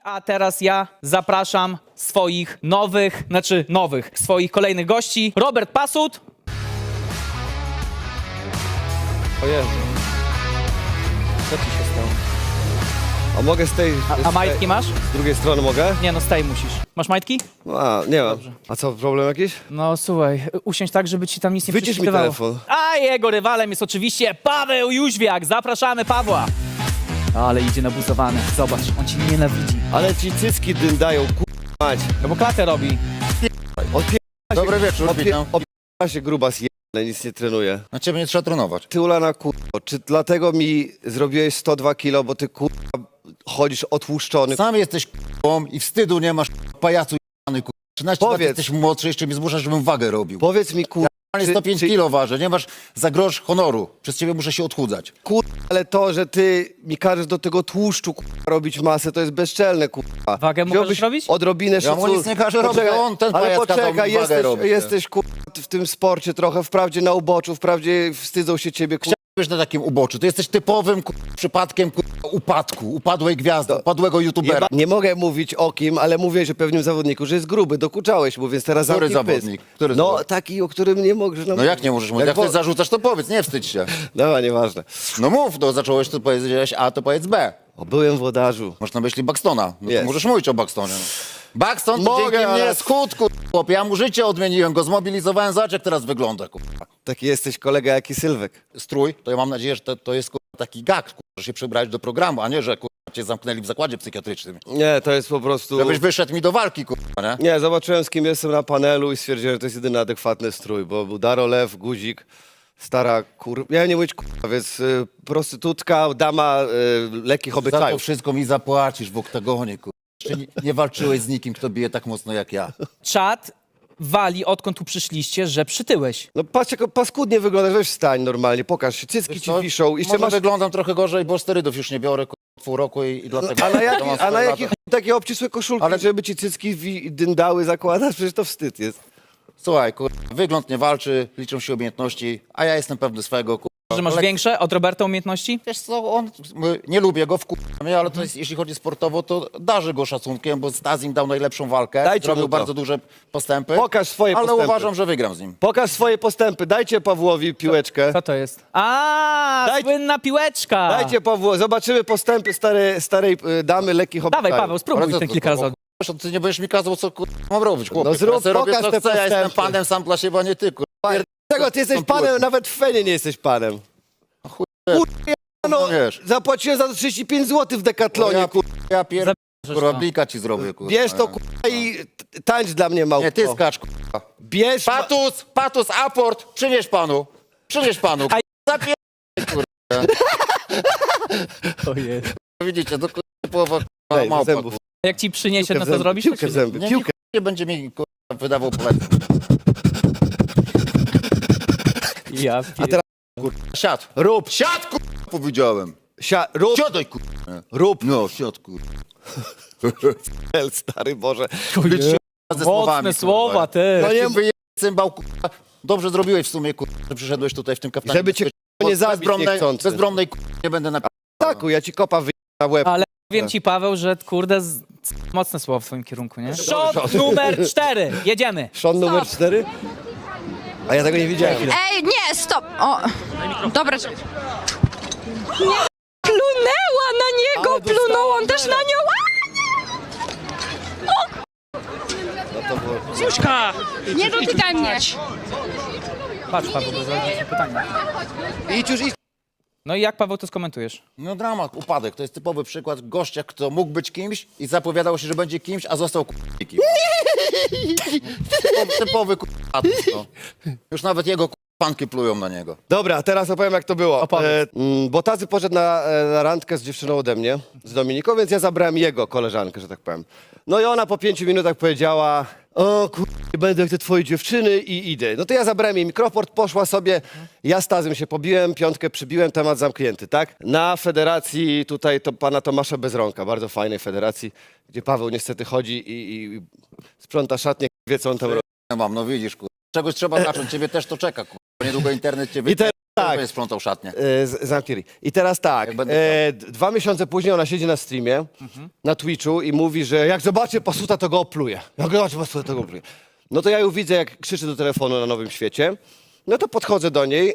A teraz ja zapraszam swoich swoich kolejnych gości. Robert Pasut. O Jezu. Co ci się stało? A mogę z tej... A majtki masz? Z drugiej strony mogę? Nie no, z tej musisz. Masz majtki? A, nie mam. A co, problem jakiś? No słuchaj, usiądź tak, żeby ci tam nic nie Wycisz mi prześwitywało. telefon. A jego rywalem jest oczywiście Paweł Jóźwiak. Zapraszamy Pawła. Ale idzie nabuzowany. Zobacz, on cię nienawidzi. Ale ci cycki dyndają, mać. No bo klatę robi. Dobry wieczór, witam. Opiera się grubas ale nic nie trenuje. Na ciebie nie trzeba trenować. Ty ulana czy dlatego mi zrobiłeś 102 kilo, bo ty chodzisz otłuszczony? Sam jesteś k***ą i wstydu nie masz, pajacu jany, 13 lat Powiedz. jesteś młodszy, jeszcze mnie zmuszasz, żebym wagę robił. Powiedz mi Ja 105 kilo ważę, nie masz za grosz honoru. Przez ciebie muszę się odchudzać. ale to, że ty mi każesz do tego tłuszczu robić masę, to jest bezczelne, Wagę mu Wziąłbyś możesz robić? odrobinę Ja mu szacunku. nic nie każę robić, Poczekaj, on, ten ale pajac kazał mi poczekaj, wagę robić. jesteś w tym sporcie trochę, wprawdzie na uboczu, wprawdzie wstydzą się ciebie, Wiesz, na takim uboczu. Ty jesteś typowym przypadkiem upadku, upadłej gwiazdy, upadłego youtubera. Nie mogę mówić o kim, ale mówię, że pewnym zawodniku, że jest gruby, dokuczałeś mu, więc teraz Który zamknij pysk. zawodnik? Który No zawodnik? taki, o którym nie możesz No jak nie możesz mówić? Jak bo- ty zarzucasz, to powiedz, nie wstydź się. Dobra, nieważne. No mów, to zacząłeś, to powiedziałeś A, to powiedz B. O, byłem włodarzu. Masz na myśli Buxtona. No to Jest. możesz mówić o Buxtonie. No. Buxton to Mogę, dzięki ale- mnie schudł, chłopie. Ja mu życie odmieniłem, go zmobilizowałem. Zobacz, jak teraz wygląda, Taki jesteś kolega jak i Sylwek. Strój, to ja mam nadzieję, że to jest taki gag, że się przebrałeś do programu, a nie, że cię zamknęli w zakładzie psychiatrycznym. Nie, to jest po prostu... Żebyś wyszedł mi do walki, nie? Nie, zobaczyłem z kim jestem na panelu i stwierdziłem, że to jest jedyny adekwatny strój, bo był Daro Lew, Guzik, stara ja nie mówić więc prostytutka, dama lekkich Za to obyczajów. wszystko mi zapłacisz w oktagonie, Jeszcze nie walczyłeś z nikim, kto bije tak mocno jak ja. Czat wali, odkąd tu przyszliście, że przytyłeś. No patrz, jak paskudnie wyglądasz, weź wstań normalnie, pokaż się, cycki ci Co? wiszą. Jeszcze Może masz... wyglądam trochę gorzej, bo sterydów już nie biorę pół roku i dlatego... A na, to mam a na swoje jakich lata. takie obcisłe koszulki, Ale- żeby ci cycki dyndały zakładasz? Przecież to wstyd jest. Słuchaj, wygląd nie walczy, liczą się umiejętności, a ja jestem pewny swego, Że masz Ale- większe od Roberta umiejętności? Wiesz co, nie lubię go, mnie, ale to jest, jeśli chodzi sportowo, to darzę go szacunkiem, bo Stazim dał najlepszą walkę, Dajcie zrobił mu to. bardzo duże postępy. Pokaż swoje ale postępy. uważam, że wygram z nim. Pokaż swoje postępy, dajcie Pawłowi piłeczkę. Co to jest? A, Dajcie- słynna piłeczka! Dajcie Pawłowi, zobaczymy postępy starej damy lekkich obyczajów. Dawaj Paweł, spróbuj ten kilka razy. Ty nie będziesz mi kazał, co mam robić, chłopie. No zrób, Ja sobie robię, pokaż co te chcę, ja jestem postępy. panem sam dla siebie, a nie ty, Czego ty jesteś panem, nawet w Fenie nie jesteś panem. No, wiesz. zapłaciłem za to 35 zł w Decathlonie, Ja pierdolę, Zabierzesz to. blika ci zrobię, Bierz to, i tańcz dla mnie, małpko. Nie, ty skacz, Bierz... Patus, aport, przynieś panu, A- zapier... Ojej. Widzicie, to połowa Daj, małpa, zębów. Jak ci przyniesie, no Piłkę w to zęby, zrobisz? piłkę w zęby, Nie, piłkę. nie będzie mi wydawał poleceń. Ja A teraz Siad. rób, Siad, powiedziałem. rób, Siadaj, rób. No, siad, Stary Boże. Mocne słowa, ty. No nie- Wyje cymbał, Dobrze zrobiłeś w sumie, że przyszedłeś tutaj w tym kaftanie. Żeby cię nie zabić niechcący. Bezbronnej nie będę napisał. Taku, ja ci kopa na łeb. Ale powiem ci, Paweł, że kurde, mocne słowa w twoim kierunku, nie? Shot numer 4. Jedziemy. Szon numer 4? A ja tego nie widziałem. Ej, nie, stop! O, dobra. Nie, plunęła na niego, Ale dostała plunął on też na nią. Zuśka! Nie dotykaj mnie. Patrz, Paweł, bo zadać ci pytanie. Idź już, idź. No i jak, Paweł, to skomentujesz? No dramat, upadek. To jest typowy przykład gościa, kto mógł być kimś i zapowiadał się, że będzie kimś, a został kimś. Typowy no. Już nawet jego fanki plują na niego. Dobra, teraz opowiem jak to było. Opowiedz. Bo Tazy poszedł na randkę z dziewczyną ode mnie, z Dominiką, więc ja zabrałem jego koleżankę, że tak powiem. No i ona po 5 minutach powiedziała, o nie będę jak te twoje dziewczyny i idę. No to ja zabrałem jej mikrofon, poszła sobie, ja z Tazem się pobiłem, piątkę przybiłem, temat zamknięty, tak? Na federacji tutaj to pana Tomasza Bezronka, bardzo fajnej federacji, gdzie Paweł niestety chodzi i sprząta szatnię, wie co on tam robi. Ja mam, no widzisz, Czegoś trzeba zacząć, ciebie też to czeka, Niedługo internet cię I te, Tak. Będę sprzątał szatnię. Zamknij. I teraz tak, Jak będę 2 miesiące później ona siedzi na streamie, na Twitchu i mówi, że jak zobaczy pasuta, to go opluje. Jak zobaczy pasuta, to go opluje. No to ja ją widzę, jak krzyczy do telefonu na Nowym Świecie. No to podchodzę do niej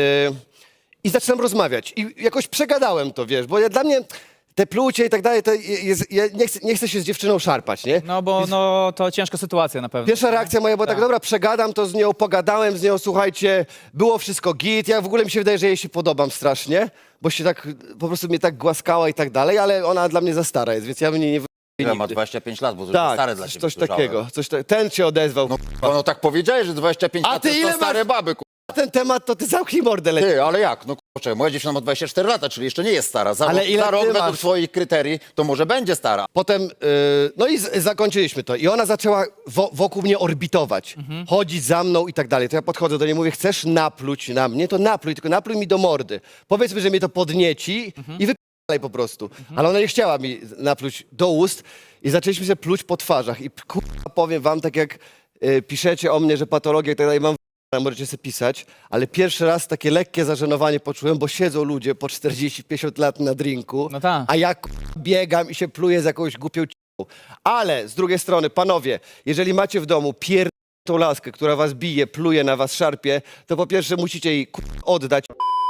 i zaczynam rozmawiać. I jakoś przegadałem to, wiesz, bo dla mnie te plucie i tak dalej, to ja nie chcę się z dziewczyną szarpać, nie? No bo no, to ciężka sytuacja na pewno. Pierwsza reakcja moja była tak, Tak. dobra, przegadam to z nią, pogadałem z nią, słuchajcie, było wszystko git, ja w ogóle mi się wydaje, że jej się podobam strasznie, bo się tak, po prostu mnie tak głaskała i tak dalej, ale ona dla mnie za stara jest, więc ja bym nie Ja ma nigdy. 25 lat, bo to już Tak, stare dla ciebie. coś słyszałem. takiego, ten się odezwał. No tak powiedziałeś, że 25 A lat ty to ile są stare masz? baby, Ten temat to ty zamknij mordę lepiej. Ty, ale jak? No kurczę, moja dziewczyna ma 24 lata, czyli jeszcze nie jest stara. Ale ile za rok ty według masz? twoich kryterii to może będzie stara. Potem, no i zakończyliśmy to. I ona zaczęła wokół mnie orbitować, chodzić za mną i tak dalej. To ja podchodzę do niej, mówię, chcesz napluć na mnie? To napluj, tylko napluj mi do mordy. Powiedzmy, że mnie to podnieci i wypalaj po prostu. Ale ona nie chciała mi napluć do ust i zaczęliśmy się pluć po twarzach. I kurwa, powiem wam, tak jak piszecie o mnie, że patologia i tak dalej, mam możecie sobie pisać, ale pierwszy raz takie lekkie zażenowanie poczułem, bo siedzą ludzie po 40-50 lat na drinku, No tak. a ja biegam i się pluję z jakąś głupią c***ą. Ale z drugiej strony, panowie, jeżeli macie w domu tą laskę, która was bije, pluje na was, szarpie, to po pierwsze musicie jej oddać.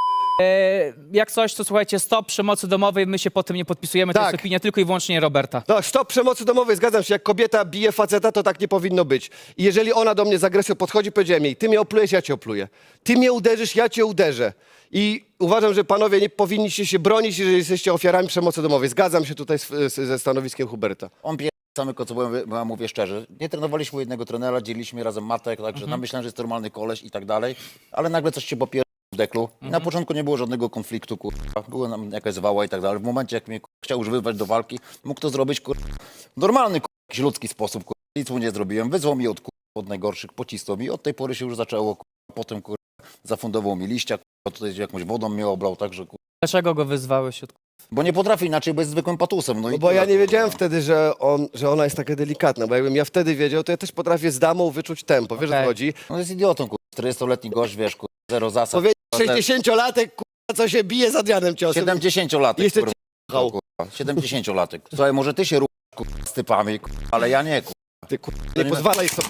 Jak coś, to słuchajcie, stop przemocy domowej, my się po tym nie podpisujemy, to Tak. jest opinia tylko i wyłącznie Roberta. No, stop przemocy domowej, zgadzam się, jak kobieta bije faceta, to tak nie powinno być. I jeżeli ona do mnie z agresją podchodzi, powiedziałem jej, ty mnie oplujesz, ja cię opluję. Ty mnie uderzysz, ja cię uderzę. I uważam, że panowie nie powinniście się bronić, jeżeli jesteście ofiarami przemocy domowej. Zgadzam się tutaj ze stanowiskiem Huberta. On pije samego, co bo ja mówię szczerze. Nie trenowaliśmy u jednego trenera, dzieliliśmy razem matek, także tam myślałem, że jest normalny koleś i tak dalej, ale nagle coś się popier... w deklu. I na początku nie było żadnego konfliktu, kurwa. Była nam jakaś zwała i tak dalej. W momencie, jak mnie chciał już wyzwać do walki, mógł to zrobić, kurwa, normalny, kurwa, jakiś ludzki sposób, kurwa. Nic mu nie zrobiłem. Wyzwał mi od najgorszych, pocisnął mi. Od tej pory się już zaczęło, kurwa. Potem, kurwa, zafundował mi liścia, kurwa, tutaj jakąś wodą mnie oblał, także, kurwa. Dlaczego go wyzwałeś? Bo nie potrafi inaczej, bo jest zwykłym patusem. No, No i bo tyle, ja nie kurwa. wiedziałem wtedy, że ona jest taka delikatna, bo jakbym ja wtedy wiedział, to ja też potrafię z damą wyczuć tempo, wiesz o co Okej. chodzi? No jest idiotą, kurwa. 40-letni gość, wiesz, kurwa, zero zasad. Powiedz kurwa, 60-latek, kurwa, co się bije za Adrianem ciosem. 70-latek, Jeszcze kurwa. cię jechał. Kurwa. 70-latek. Słuchaj, może ty się ruchasz, kurwa, z typami, kurwa, ale ja nie, kurwa. Ty kurwa, nie pozwalaj sobie.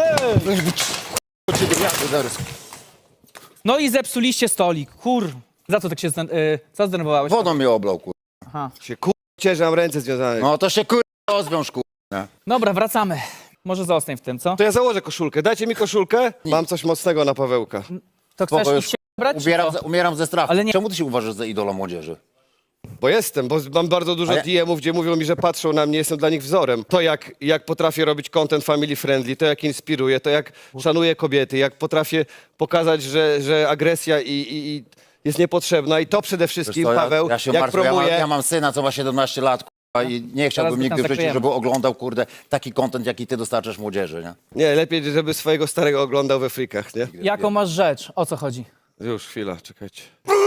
No i zepsuliście stolik, Za co tak się co zdenerwowałeś? Wodą mnie oblał, kurwa. Aha. Się kurwa, że mam ręce związane. No to się, kurwa, rozwiąż, kurwa. Dobra, wracamy. Może zostań w tym, co? To ja założę koszulkę. Dajcie mi koszulkę. Mam coś mocnego na Pawełka. To chcesz Spoko, już iść się brać? umieram ze strachu. Ale nie- Czemu ty się uważasz za idola młodzieży? Bo mam bardzo dużo A ja- DM-ów, gdzie mówią mi, że patrzą na mnie, jestem dla nich wzorem. To jak potrafię robić content family friendly, to jak inspiruję, to jak szanuję kobiety, jak potrafię pokazać, że agresja i jest niepotrzebna i to przede wszystkim, Wiesz co, Paweł, ja się jak martwię, promuje... ja mam syna, co ma 17 lat, kurwa, i nie chciałbym Zaraz go nigdy tam w życiu, zakryjemy. żeby oglądał, kurde, taki content, jaki ty dostarczasz młodzieży, nie? Nie, lepiej, żeby swojego starego oglądał we frikach, nie? Jaką masz rzecz? O co chodzi? Już, chwila, czekajcie.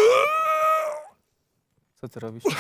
Co ty robisz?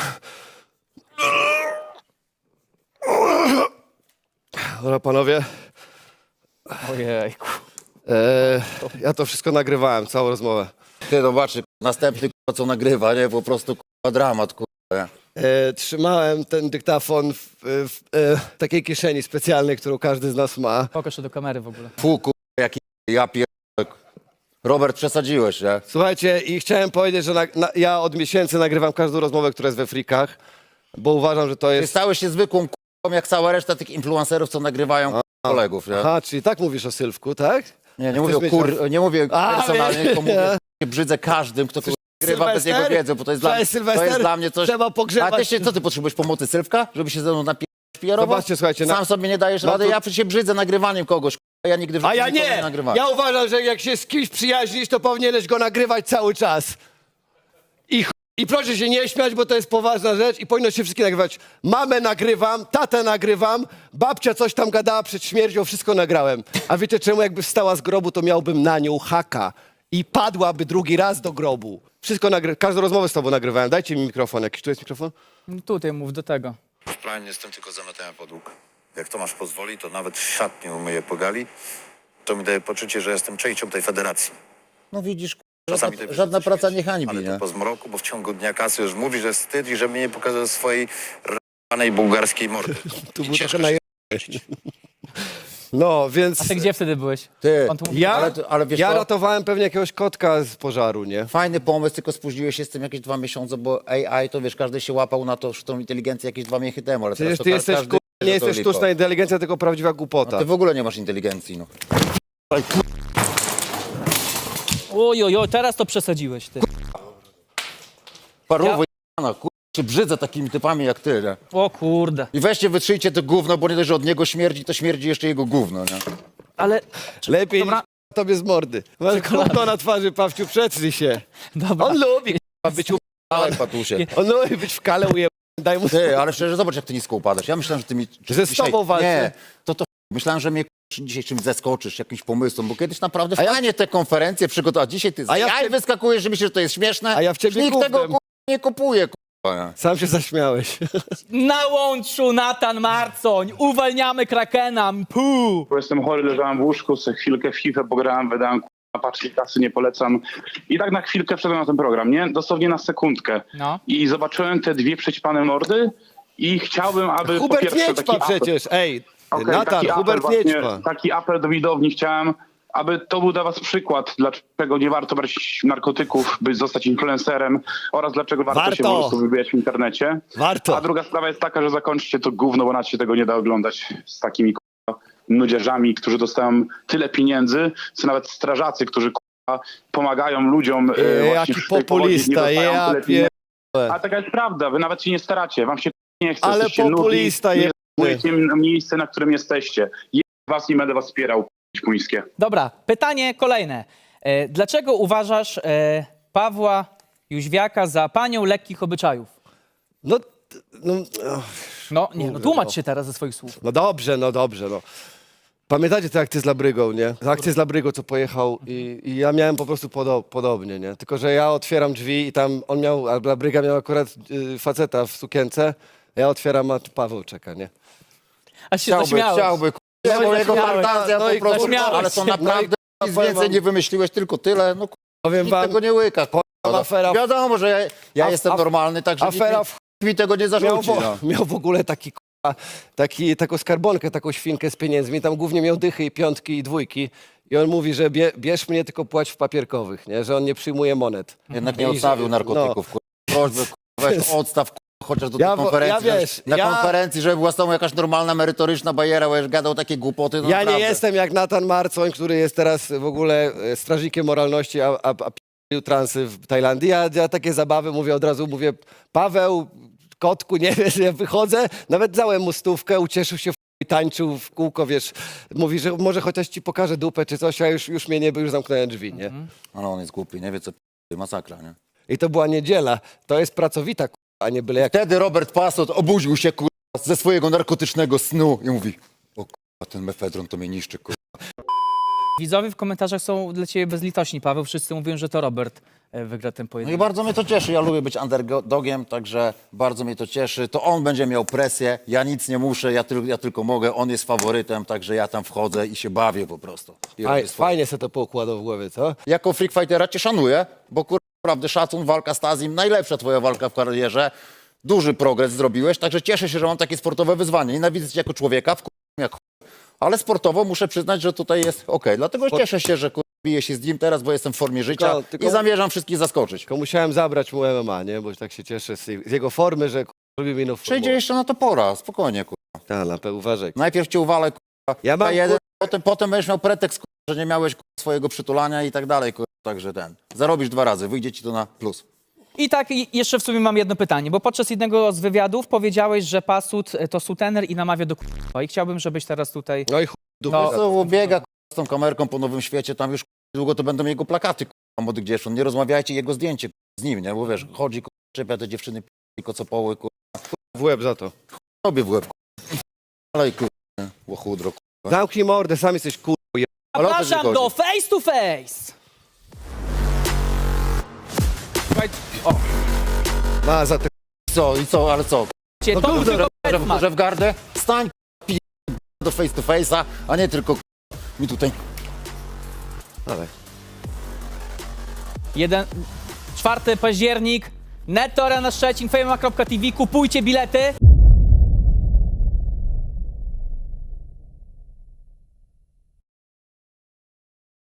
Dobra, panowie, Ojejku. ja to wszystko nagrywałem, całą rozmowę. Ty zobaczy, następny, kurwa, co nagrywa, nie? Po prostu, kurwa, dramat, kurwa, nie? Trzymałem ten dyktafon w takiej kieszeni specjalnej, którą każdy z nas ma. Pokaż to do kamery w ogóle. Fu, kurwa, jaki ja Robert, przesadziłeś, nie? Słuchajcie, i chciałem powiedzieć, że ja od miesięcy nagrywam każdą rozmowę, która jest we frikach, bo uważam, że to Ty jest... stałeś się zwykłą kurwą, jak cała reszta tych influencerów, co nagrywają kolegów, nie? Aha, czyli tak mówisz o Sylwku, tak? Nie mówię o mieć- nie mówię A, personalnie, wiem. tylko mówię, że się brzydzę każdym, kto kurwa, nagrywa bez Sylwester? jego wiedzy, bo to jest, Cześć, to Sylwester. jest dla mnie coś... Trzeba pogrzebać. A ty się, co ty potrzebujesz pomocy, Sylwka? Żeby się ze mną napierać? Zobaczcie, słuchajcie, Sam sobie nie dajesz rady, to- ja przecież się brzydzę nagrywaniem kogoś, kurwa, ja nigdy w A życiu ja nikogo nie! nagrywałem. Ja uważam, że jak się z kimś przyjaźnisz, to powinieneś go nagrywać cały czas. I proszę się nie śmiać, bo to jest poważna rzecz i powinno się wszystkie nagrywać. Mamę nagrywam, tatę nagrywam, babcia coś tam gadała przed śmiercią, wszystko nagrałem. A wiecie czemu? Jakby wstała z grobu, to miałbym na nią haka i padłaby drugi raz do grobu. Wszystko każdą rozmowę z tobą nagrywałem. Dajcie mi mikrofon. Jakiś tu jest mikrofon? No tutaj mów do tego. W planie jestem tylko zamiatania podłóg. Jak Tomasz pozwoli, to nawet szatnię umyję po gali. To mi daje poczucie, że jestem częścią tej federacji. No widzisz, kurwa, Czasami tej Żadna praca nie hańbi, ale nie? to po zmroku, bo w ciągu dnia kasy już mówi, że wstyd i żeby nie pokazał swojej r***anej bułgarskiej mordy. Tu I był ciężko trochę się No, więc A ty gdzie wtedy byłeś? Ty, On tu mówi- ja, ale wiesz ja co? ratowałem pewnie jakiegoś kotka z pożaru, nie? Fajny pomysł, tylko spóźniłeś się z tym jakieś 2 miesiące, bo AI to wiesz, każdy się łapał na to sztuczną inteligencję jakieś 2 miesiące temu, ale Przecież teraz ty to jesteś, każdy wie, nie że to jesteś lipa. sztuczna inteligencja, tylko prawdziwa głupota. Ty w ogóle nie masz inteligencji, no. Oj, teraz to przesadziłeś, ty. Parówo ja... się brzydzę takimi typami jak ty, nie? O kurde. I weźcie, wytrzyjcie to gówno, bo nie dość, że od niego śmierdzi, to śmierdzi jeszcze jego gówno, nie? Ale, Lepiej Dobra. niż tobie z mordy. Masz gówno na twarzy, Pawciu, przetrzyj się. dobra. On lubi być Ale patusie. On lubi być w kale uje... Daj mu... Ty, ale szczerze, zobacz jak ty nisko upadasz. Ja myślałem, że ty mi... Że z tobą walczę. Nie, to myślałem, że mnie dzisiaj czymś zaskoczysz, jakimś pomysłem, bo kiedyś naprawdę fajnie te konferencje przygotować. A dzisiaj ty A ja w ja ciebie- wyskakujesz, że myślisz, że to jest śmieszne. A ja w ciebie Nikt tego gównem. nie kupuje, k***a. Sam się zaśmiałeś. Na łączu Natan Marcoń, uwalniamy Krakena, puu. Bo jestem chory, leżałem w łóżku, sobie chwilkę w FIFA pograłem, wydałem na paczki kasy, nie polecam. I tak na chwilkę wszedłem na ten program, nie? Dosłownie na sekundkę. No. I zobaczyłem te dwie przećpane mordy i chciałbym, aby po Hubert pierwsze Nieczpa taki apel, przecież, ej. Okej, Natan, taki apel Hubert właśnie, Nieczpa. taki apel do widowni chciałem, aby to był dla was przykład, dlaczego nie warto brać narkotyków, by zostać influencerem oraz dlaczego warto się Warto. po prostu wybijać w internecie. Warto. A druga sprawa jest taka, że zakończcie to gówno, bo nawet się tego nie da oglądać z takimi nudziarzami, którzy dostają tyle pieniędzy, co nawet strażacy, którzy pomagają ludziom właśnie Jaki w tej powodzi, nie populista, dostają ja tyle pieniędzy. pierdolę. A taka jest prawda, wy nawet się nie staracie, wam się nie chce, Ale jesteście nudni, populista nie jebany. zajmujecie miejsce, na którym jesteście. Ja was nie będę was wspierał, puńskie. Dobra, pytanie kolejne. Dlaczego uważasz Pawła Jóźwiaka za panią lekkich obyczajów? No, No tłumacz się teraz ze swoich słów. no dobrze, no dobrze, no. Pamiętacie tę akcję z Labrygą, nie? Akcję z Labrygą, co pojechał i ja miałem po prostu podobnie, nie? Tylko, że ja otwieram drzwi i tam on miał, a Labryga miał akurat faceta w sukience, ja otwieram, a tu Paweł czeka, nie? Aż się zaśmiałeś. Chciałby, No i bo jego zaśmiałeś. fantazja No i po prostu, zaśmiałeś ale to się. naprawdę No i nic powiem więcej wam- nie wymyśliłeś, tylko tyle, no Powiem nikt wam, tego nie łyka. afera- Wiadomo, że ja jestem normalny, także afera nikt mi tego nie zarzuci. No. miał w ogóle taką skarbonkę, taką świnkę z pieniędzmi, tam głównie miał dychy i piątki i dwójki i on mówi, że bierz mnie, tylko płać w papierkowych, nie? Że on nie przyjmuje monet. Jednak nie I że- odstawił narkotyków. Prośbę, weź odstaw chociaż do tej Ja konferencji. ja wiesz, na ja- konferencji, żeby była z tobą jakaś normalna, merytoryczna bajera, bo już gadał takie głupoty. No Ja naprawdę. nie jestem jak Natan Marcoń, który jest teraz w ogóle strażnikiem moralności, a p***ił transy w Tajlandii. Ja takie zabawy mówię od razu, mówię, Paweł, kotku, nie wiesz, ja wychodzę, nawet dałem mu stówkę, ucieszył się, tańczył w kółko, wiesz, mówi, że może chociaż ci pokażę dupę czy coś, a już mnie nie, bo już zamknąłem drzwi, nie? Ale on jest głupi, nie wie co masakra, nie? I to była niedziela, to jest pracowita, a nie byle jak. Wtedy Robert Pasot obudził się ze swojego narkotycznego snu i mówi: o ten mefedron to mnie niszczy, Widzowie w komentarzach są dla ciebie bezlitośni, Paweł. Wszyscy mówią, że to Robert wygra ten No i pojedynek. bardzo mnie to cieszy, ja lubię być underdogiem, także bardzo mnie to cieszy. To on będzie miał presję, ja nic nie muszę, ja tylko mogę, on jest faworytem, także ja tam wchodzę i się bawię po prostu. I robię swoje. Fajnie se to poukładał w głowie, co? Jako freak fightera cię szanuję, bo naprawdę szacun, walka z Tazim, najlepsza twoja walka w karierze, duży progres zrobiłeś, także cieszę się, że mam takie sportowe wyzwanie. Nienawidzę cię jako człowieka, jak ale sportowo muszę przyznać, że tutaj jest okej. Dlatego cieszę się, że biję się z nim teraz, bo jestem w formie życia Tylko- i zamierzam wszystkich zaskoczyć. Tylko musiałem zabrać mu MMA, nie? Bo tak się cieszę z jego formy, że robi mi nową Przejdzie jeszcze na to pora, spokojnie. Tak, na pewno uważaj. Najpierw cię uwalę, Ja mam, jeden, potem będziesz miał pretekst, że nie miałeś swojego przytulania i tak dalej. Także zarobisz 2 razy, wyjdzie ci to na plus. I tak jeszcze w sumie mam jedno pytanie, bo podczas jednego z wywiadów powiedziałeś, że Pasut to sutener i namawia do k***a. I chciałbym, żebyś teraz tutaj... No i dupę. No. Co biega z tą kamerką po Nowym Świecie, tam już długo to będą jego plakaty młodych dziewcząt. Nie rozmawiajcie jego zdjęcie z nim, nie? Bo wiesz, chodzi, czepia te dziewczyny, kocopoły, w łeb za to. robię w łeb. Ale łochudro. Zamknij mordę, sam jesteś kurwa. Ale o to ci Zapraszam chodzi. do face to face! Słuchaj, o, Ma za te... Co, i co, ale co? to był tylko Petman. Że w gardę? Stań do face to face'a, a nie tylko mi tutaj. Dawaj. 4 październik, Netto Arena Szczecin, fejma.tv, kupujcie bilety.